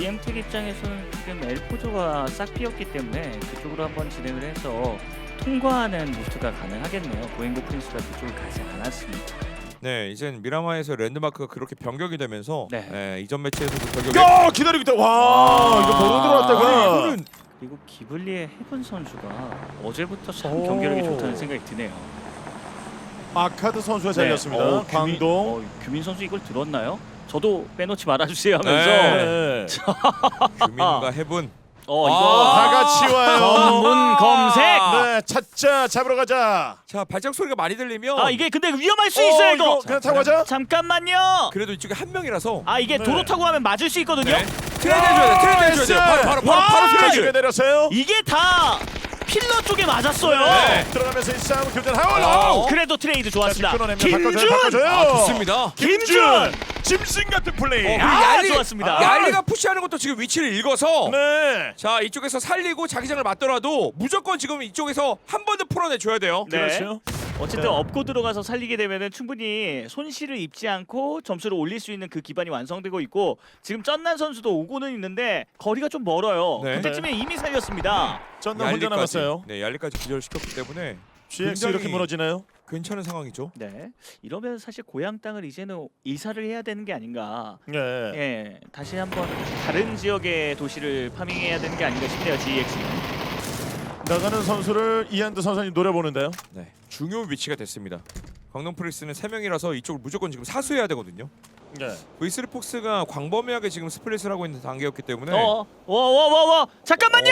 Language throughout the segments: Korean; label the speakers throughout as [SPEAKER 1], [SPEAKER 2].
[SPEAKER 1] EM택 입장에서는 지금 엘포조가 싹 비었기 때문에 그쪽으로 한번 진행을 해서 통과하는 루트가 가능하겠네요. 고행고 프린스가 그쪽을 가지 않았습니다.
[SPEAKER 2] 네, 이젠 미라마에서 랜드마크가 그렇게 변경이 되면서
[SPEAKER 1] 네.
[SPEAKER 2] 이전 매치에서도 변경이.
[SPEAKER 3] 야 기다리고 있다. 와 이거 바로 들어왔다가
[SPEAKER 2] 이거는
[SPEAKER 1] 그리고 기블리의 헤븐 선수가 어제부터 참
[SPEAKER 3] 오.
[SPEAKER 1] 경기력이 좋다는 생각이 드네요.
[SPEAKER 3] 아카드 선수가 잘렸습니다.
[SPEAKER 1] 네.
[SPEAKER 3] 광동.
[SPEAKER 1] 규민 선수 이걸 들었나요? 저도 빼놓지 말아주세요 하면서
[SPEAKER 3] 네.
[SPEAKER 2] 규민과 해분.
[SPEAKER 1] 이거
[SPEAKER 3] 다 같이 와요.
[SPEAKER 1] 전문 검색.
[SPEAKER 3] 네, 찾자 잡으러 가자.
[SPEAKER 2] 자, 발작 소리가 많이 들리면
[SPEAKER 1] 이게 근데 위험할 수 있어요 이거.
[SPEAKER 3] 그냥 타고 가자.
[SPEAKER 1] 잠깐만요.
[SPEAKER 2] 그래도 이쪽에 한 명이라서.
[SPEAKER 1] 이게
[SPEAKER 3] 네.
[SPEAKER 1] 도로 타고 가면 맞을 수 있거든요.
[SPEAKER 2] 네. 트레이드 해줘야 돼. 트레이드 해줘야 돼. 바로
[SPEAKER 3] 자,
[SPEAKER 2] 트레이드.
[SPEAKER 3] 집에 내렸어요.
[SPEAKER 1] 이게 다 필러 쪽에 맞았어요.
[SPEAKER 2] 네.
[SPEAKER 3] 들어가면서 이 싸움 교전하고.
[SPEAKER 1] 그래도 트레이드 좋았습니다.
[SPEAKER 3] 끊어냅니다.
[SPEAKER 1] 김준.
[SPEAKER 3] 바꿔줘요.
[SPEAKER 2] 좋습니다.
[SPEAKER 1] 김준.
[SPEAKER 3] 짐승 같은 플레이.
[SPEAKER 1] 좋았습니다.
[SPEAKER 2] 얄리가 푸시하는 것도 지금 위치를 읽어서.
[SPEAKER 3] 네.
[SPEAKER 2] 자, 이쪽에서 살리고 자기장을 맞더라도 무조건 지금 이쪽에서 한 번 더 풀어내줘야 돼요.
[SPEAKER 1] 네.
[SPEAKER 3] 그렇죠.
[SPEAKER 1] 어쨌든
[SPEAKER 3] 네.
[SPEAKER 1] 업고 들어가서 살리게 되면은 충분히 손실을 입지 않고 점수를 올릴 수 있는 그 기반이 완성되고 있고 지금 쩐난 선수도 오고는 있는데 거리가 좀 멀어요.
[SPEAKER 2] 네.
[SPEAKER 1] 그때쯤에 이미 살렸습니다.
[SPEAKER 3] 전남 혼자 남았어요.
[SPEAKER 2] 네, 얄리까지 기절시켰기 때문에
[SPEAKER 3] GX
[SPEAKER 2] 굉장히
[SPEAKER 3] 이렇게 무너지나요?
[SPEAKER 2] 괜찮은 상황이죠.
[SPEAKER 1] 네. 이러면 사실 고향 땅을 이제는 이사를 해야 되는 게 아닌가.
[SPEAKER 3] 네.
[SPEAKER 1] 예, 다시 한번 다른 지역의 도시를 파밍해야 되는 게 아닌가 싶네요. GX는.
[SPEAKER 3] 나가는 선수를 이한드 선수님 노려보는데요.
[SPEAKER 2] 네, 중요 위치가 됐습니다. 광동 프리스는 3명이라서 이쪽을 무조건 지금 사수해야 되거든요.
[SPEAKER 3] 네.
[SPEAKER 2] V3 폭스가 광범위하게 지금 스플릿을 하고 있는 단계였기 때문에.
[SPEAKER 1] 와. 잠깐만요.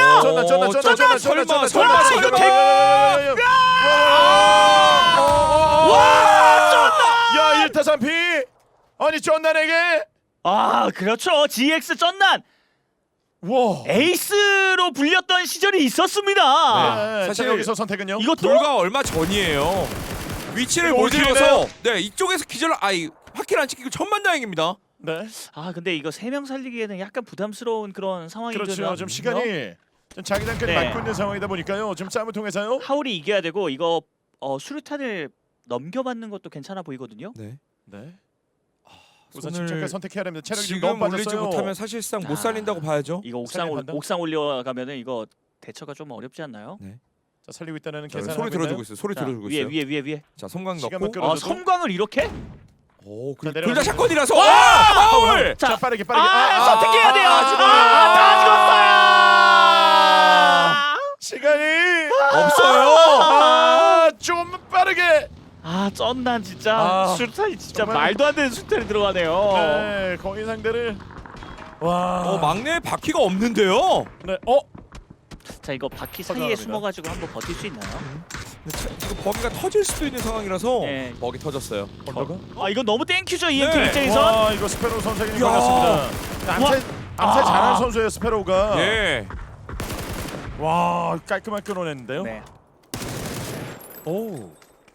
[SPEAKER 3] 설마
[SPEAKER 1] 이거
[SPEAKER 3] 야 1타 3피 아니 쩐난에게
[SPEAKER 1] 그렇죠. GX 쩐난
[SPEAKER 3] 와
[SPEAKER 1] 에이스로 불렸던 시절이 있었습니다.
[SPEAKER 3] 네,
[SPEAKER 2] 사실
[SPEAKER 3] 자, 여기서 선택은요?
[SPEAKER 1] 이것도
[SPEAKER 2] 불과 얼마 전이에요. 위치를
[SPEAKER 3] 이거
[SPEAKER 2] 못
[SPEAKER 3] 어떻게
[SPEAKER 2] 읽어서 이쪽에서 기절 확킬 안 찍히고 천만다행입니다.
[SPEAKER 3] 네
[SPEAKER 1] 근데 이거 3명 살리기에는 약간 부담스러운 그런 상황이거든요.
[SPEAKER 3] 그렇죠 좀 시간이 좀 자기장까지
[SPEAKER 1] 네.
[SPEAKER 3] 맞고 있는 상황이다 보니까요 좀 싸움을 통해서요
[SPEAKER 1] 하울이 이겨야 되고 이거 수류탄을 넘겨받는 것도 괜찮아 보이거든요.
[SPEAKER 2] 네.
[SPEAKER 3] 네 우선
[SPEAKER 2] 손을
[SPEAKER 3] 침착하게 선택해야 됩니다 체력이 좀
[SPEAKER 2] 지금
[SPEAKER 3] 너무
[SPEAKER 2] 올리지
[SPEAKER 3] 빠졌어요
[SPEAKER 2] 못하면 사실상 못
[SPEAKER 1] 아.
[SPEAKER 2] 살린다고 봐야죠.
[SPEAKER 1] 이거
[SPEAKER 3] 살리는 판단?
[SPEAKER 1] 옥상 올려가면은 이거 대처가 좀 어렵지 않나요?
[SPEAKER 3] 자 살리고 있다는
[SPEAKER 2] 자,
[SPEAKER 3] 계산을
[SPEAKER 2] 소리
[SPEAKER 3] 하고
[SPEAKER 2] 들어주고
[SPEAKER 3] 있나요?
[SPEAKER 2] 있어요. 소리
[SPEAKER 1] 자,
[SPEAKER 2] 들어주고 있어요.
[SPEAKER 1] 위에.
[SPEAKER 2] 자, 성광
[SPEAKER 3] 시간만
[SPEAKER 2] 넣고.
[SPEAKER 3] 끌어-
[SPEAKER 1] 섬광을 이렇게?
[SPEAKER 2] 오,
[SPEAKER 3] 자,
[SPEAKER 2] 둘 다
[SPEAKER 3] 내려가서-
[SPEAKER 2] 샷건이라서.
[SPEAKER 1] 와!
[SPEAKER 2] 하울!
[SPEAKER 3] 자 빠르게
[SPEAKER 1] 선택해야 돼요.
[SPEAKER 2] 다
[SPEAKER 3] 시간이
[SPEAKER 2] 없어요.
[SPEAKER 3] 좀 빠르게
[SPEAKER 1] 쩐난 진짜 수류탄이 진짜
[SPEAKER 3] 정말-
[SPEAKER 1] 말도 안 되는 수류탄이 들어가네요.
[SPEAKER 3] 네 거의 상대를 와
[SPEAKER 2] 막내에 바퀴가 없는데요.
[SPEAKER 3] 네
[SPEAKER 1] 자 이거 바퀴 사이에
[SPEAKER 3] 감사합니다.
[SPEAKER 1] 숨어가지고 한번 버틸 수 있나요?
[SPEAKER 2] 지금 버기가 터질 수도 있는 상황이라서
[SPEAKER 1] 네.
[SPEAKER 2] 버기 터졌어요.
[SPEAKER 3] 언더가
[SPEAKER 1] 이건 너무 땡큐죠 EMT
[SPEAKER 2] 네.
[SPEAKER 1] 입장에선.
[SPEAKER 3] 와 이거 스페로우 선생님이
[SPEAKER 2] 야.
[SPEAKER 3] 걸렸습니다. 암살 잘하는 선수예요 스페로우가.
[SPEAKER 2] 예.
[SPEAKER 3] 와 깔끔하게 끊어냈는데요.
[SPEAKER 1] 네.
[SPEAKER 2] 오.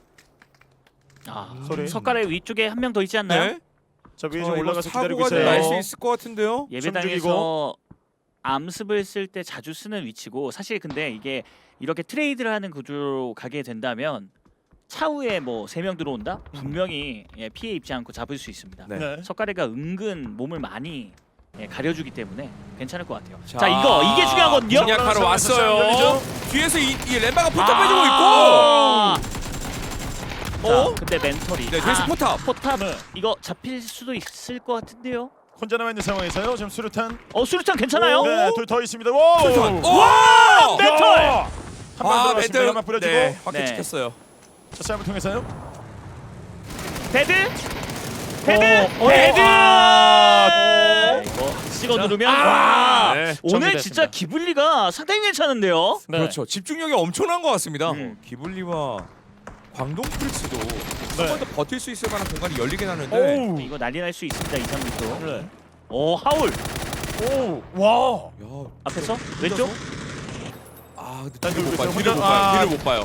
[SPEAKER 3] 소리.
[SPEAKER 1] 석가래 위쪽에 한 명 더 있지 않나요?
[SPEAKER 2] 네.
[SPEAKER 3] 저 위에 좀 올라가서 기다리고
[SPEAKER 2] 사고가
[SPEAKER 3] 있어요.
[SPEAKER 2] 날 수 있을 것 같은데요.
[SPEAKER 1] 예배당에서 암습을 쓸 때 자주 쓰는 위치고 사실 근데 이게 이렇게 트레이드를 하는 구조로 가게 된다면 차후에 뭐 3명 들어온다? 분명히 피해 입지 않고 잡을 수 있습니다.
[SPEAKER 2] 네.
[SPEAKER 3] 네.
[SPEAKER 1] 석가래가 은근 몸을 많이 가려주기 때문에 괜찮을 것 같아요.
[SPEAKER 2] 자,
[SPEAKER 1] 자 이게 중요하거든요.
[SPEAKER 2] 공략하러 왔어요.
[SPEAKER 3] 열리죠?
[SPEAKER 2] 뒤에서 이 램바가 포탑 빼주고 있고.
[SPEAKER 1] 자, 근데 멘털이
[SPEAKER 2] 네, 뒤에서 포탑.
[SPEAKER 1] 포탑
[SPEAKER 3] 네.
[SPEAKER 1] 이거 잡힐 수도 있을 것 같은데요.
[SPEAKER 3] 혼자 남아 있는 상황에서요. 지금 수류탄.
[SPEAKER 1] 수류탄 괜찮아요?
[SPEAKER 3] 네, 둘 더 있습니다. 와!
[SPEAKER 2] 와!
[SPEAKER 1] 멘털!
[SPEAKER 3] 한방 들어갔습니다. 한방 뿌려주고.
[SPEAKER 2] 네, 확인
[SPEAKER 1] 네.
[SPEAKER 2] 찍혔어요.
[SPEAKER 3] 자, 싸움을 통해서요.
[SPEAKER 1] 데드! 이거 찍어 누르면
[SPEAKER 3] 네,
[SPEAKER 1] 오늘
[SPEAKER 3] 정리됐습니다.
[SPEAKER 1] 진짜 기블리가 상당히 괜찮은데요.
[SPEAKER 3] 네.
[SPEAKER 2] 그렇죠. 집중력이 엄청난 것 같습니다.
[SPEAKER 1] 음.
[SPEAKER 2] 기블리와 광동 프리스도
[SPEAKER 3] 네.
[SPEAKER 2] 한 번 더 버틸 수 있을 만한 공간이 열리긴 하는데.
[SPEAKER 3] 오우.
[SPEAKER 1] 이거 난리 날 수 있습니다. 2, 3루도.
[SPEAKER 3] 네.
[SPEAKER 1] 하울
[SPEAKER 3] 오, 와.
[SPEAKER 2] 야,
[SPEAKER 1] 앞에서 왼쪽.
[SPEAKER 2] 근데
[SPEAKER 3] 단
[SPEAKER 2] 뒤를 못
[SPEAKER 3] 돌고
[SPEAKER 2] 봐요.
[SPEAKER 3] 있어요.
[SPEAKER 2] 뒤를 못
[SPEAKER 3] 혼자-
[SPEAKER 2] 봐요. 뒤를 못 봐요.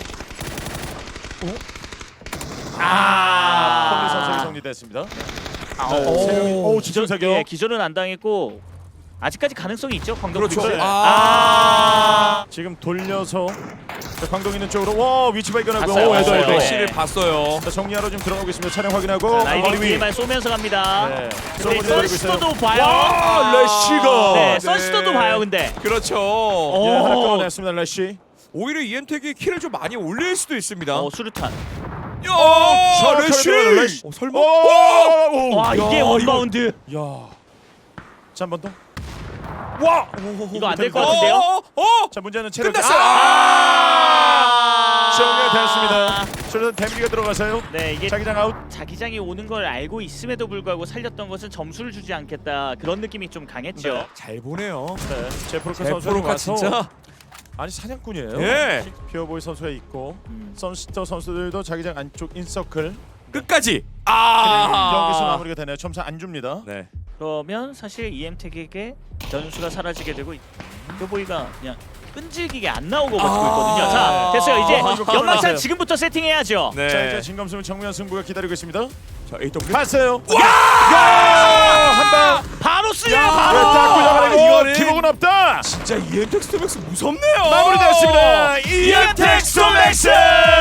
[SPEAKER 3] 폴리 선수가 정리됐습니다.
[SPEAKER 1] 오.
[SPEAKER 3] 세 명이- 오, 지정 사격.
[SPEAKER 1] 예, 기절은 안 당했고 아직까지 가능성이 있죠. 광동
[SPEAKER 2] 그렇죠.
[SPEAKER 1] 프리스.
[SPEAKER 3] 네.
[SPEAKER 2] 아.
[SPEAKER 3] 지금 돌려서 자, 광동 있는 쪽으로 와 위치 발견하고
[SPEAKER 1] 봤어요,
[SPEAKER 3] 오,
[SPEAKER 1] 봤어요.
[SPEAKER 3] 에도.
[SPEAKER 2] 애쉬를 봤어요.
[SPEAKER 3] 자, 정리하러 지금 들어가고 있습니다. 차량 확인하고
[SPEAKER 1] 라이딩
[SPEAKER 3] 머리 위.
[SPEAKER 1] DMR 쏘면서 갑니다.
[SPEAKER 3] 네.
[SPEAKER 1] 근데
[SPEAKER 3] 쏘고 내리고 있어요.
[SPEAKER 1] 선스터도 봐요.
[SPEAKER 3] 와 레시가.
[SPEAKER 1] 네, 선스터도 봐요. 근데
[SPEAKER 2] 그렇죠.
[SPEAKER 3] 예, 하나
[SPEAKER 1] 오.
[SPEAKER 3] 끊어냈습니다. 레시.
[SPEAKER 2] 오히려 이엠텍이 킬을 좀 많이 올릴 수도 있습니다.
[SPEAKER 1] 수류탄.
[SPEAKER 2] 야, 레쉬!
[SPEAKER 3] 레쉬.
[SPEAKER 2] 설마?
[SPEAKER 3] 오!
[SPEAKER 1] 와 이게
[SPEAKER 2] 야,
[SPEAKER 1] 원바운드.
[SPEAKER 3] 야. 자, 한 번 더. 와!
[SPEAKER 1] 이거 안 될 것 같은데요?
[SPEAKER 3] 자, 문제는 체력.
[SPEAKER 2] 끝났어요.
[SPEAKER 3] 정리가 됐습니다. 저는 데미지가 들어가서요.
[SPEAKER 1] 네 이게
[SPEAKER 3] 자기장 아웃.
[SPEAKER 1] 자기장이 오는 걸 알고 있음에도 불구하고 살렸던 것은 점수를 주지 않겠다 그런 느낌이 좀 강했죠.
[SPEAKER 3] 네.
[SPEAKER 2] 잘 보네요.
[SPEAKER 3] 네. 제프로카 선수
[SPEAKER 2] 제프로카 진짜.
[SPEAKER 3] 아니 사냥꾼이에요.
[SPEAKER 2] 예.
[SPEAKER 3] 피어보이 선수가 있고
[SPEAKER 1] 음.
[SPEAKER 3] 선스터 선수들도 자기장 안쪽 인서클
[SPEAKER 2] 끝까지.
[SPEAKER 3] 여기서 마무리가 되네요. 점수 안 줍니다.
[SPEAKER 2] 네.
[SPEAKER 1] 그러면 사실 EM택에게 변수가 사라지게 되고 뼈보이가 그냥 끈질기게 안 나오고 버티고 있거든요. 자 됐어요. 이제
[SPEAKER 3] 이거
[SPEAKER 1] 연막탄
[SPEAKER 3] 끊어냈어요.
[SPEAKER 1] 지금부터 세팅해야죠.
[SPEAKER 2] 네.
[SPEAKER 3] 자, 이제 진검승부 정면 승부가 기다리고 있습니다.
[SPEAKER 2] 자, AW.
[SPEAKER 3] 봤어요.
[SPEAKER 2] 와!
[SPEAKER 3] 한 방.
[SPEAKER 1] 바로 쓰요.
[SPEAKER 3] 딱
[SPEAKER 1] 바로.
[SPEAKER 3] 구장하고
[SPEAKER 2] 이거는-
[SPEAKER 3] 기복은 없다.
[SPEAKER 2] 진짜 이엠텍 스톰맥스 무섭네요.
[SPEAKER 3] 마무리됐습니다. 이엠텍 스톰맥스.